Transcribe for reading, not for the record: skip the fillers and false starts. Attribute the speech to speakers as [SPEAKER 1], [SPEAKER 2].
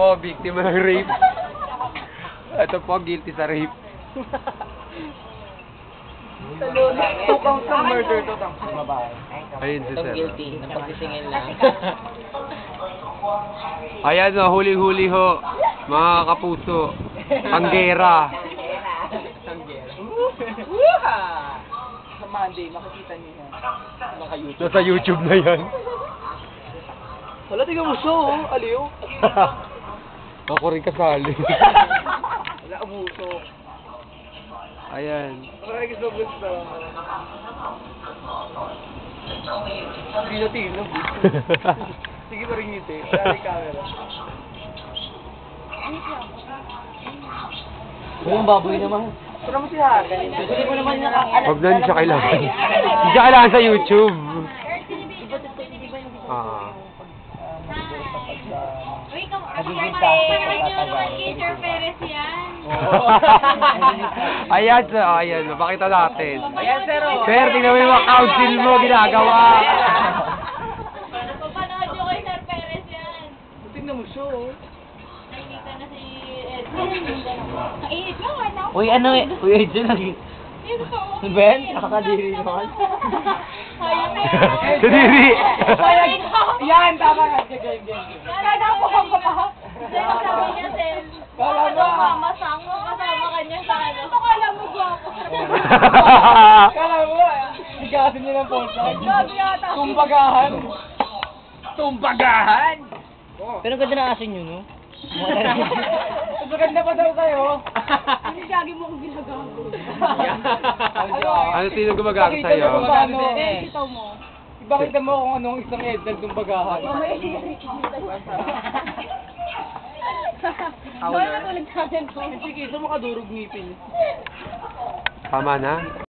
[SPEAKER 1] po, biktima ng rape. Ito po, guilty sa rape.
[SPEAKER 2] Two counts ng murder, two counts ng babae.
[SPEAKER 1] Ayun si
[SPEAKER 3] Itong
[SPEAKER 1] sir.
[SPEAKER 3] guilty, ng pagsisingil lang.
[SPEAKER 1] Ayan o, huling-huli ho. Mga kapuso. Tanggera.
[SPEAKER 2] Sa Monday, makikita niyo yan. Naka-YouTube.
[SPEAKER 1] Nasa YouTube na yan.
[SPEAKER 2] Wala, tingnan mo siya, oh. Aliw.
[SPEAKER 1] Ako rin kasali.
[SPEAKER 2] Wala, abuso.
[SPEAKER 1] Ayan.
[SPEAKER 2] Maraming gusto. Tino. Sige pa rin ngiti. Wala yung camera.
[SPEAKER 3] Yung baboy naman.
[SPEAKER 2] Pero mo si Haga.
[SPEAKER 3] Hindi mo naman nakakala.
[SPEAKER 1] Huwag na hindi siya kailangan. Hindi siya kailangan sa YouTube. Ah.
[SPEAKER 4] Uy, kay Sir Perez yan.
[SPEAKER 1] Ayan, sir. Ayan, mapakita natin.
[SPEAKER 2] Ayan, sir.
[SPEAKER 1] Sir, tingnan mo yung mga council mo ginagawa.
[SPEAKER 4] Papanood nyo kay Sir Perez yan.
[SPEAKER 2] Tingnan mo siya, oh.
[SPEAKER 4] Nakikita na si Edson. Ang init mo, ano?
[SPEAKER 3] Uy, ano eh? Uy, Edson, Ben, nakakadiri naman.
[SPEAKER 1] Kadiri.
[SPEAKER 2] Yan, tama ka. Ganyan.
[SPEAKER 4] Kaya po ka pa. Sabi niya, Sel.
[SPEAKER 2] Kala mo.
[SPEAKER 4] Mamasang mo kasama kanya sa ano. Ito kala mo gwapo.
[SPEAKER 2] Kala mo, sigasin niya ng posa.
[SPEAKER 4] Grabe yata.
[SPEAKER 2] Tumbagahan!
[SPEAKER 3] Pero ganda na asin yun, no?
[SPEAKER 2] Maganda pa daw kayo.
[SPEAKER 4] Hindi lagi mo kong ginagago.
[SPEAKER 1] Ano sino gumagago sa'yo?
[SPEAKER 4] Ikaw mo.
[SPEAKER 2] Ipakita mo kung anong isang edad tumbagahan.
[SPEAKER 4] Doon natulog sa akin ko.
[SPEAKER 2] Sige, isa mo kadurog ngipin.
[SPEAKER 1] Tama na?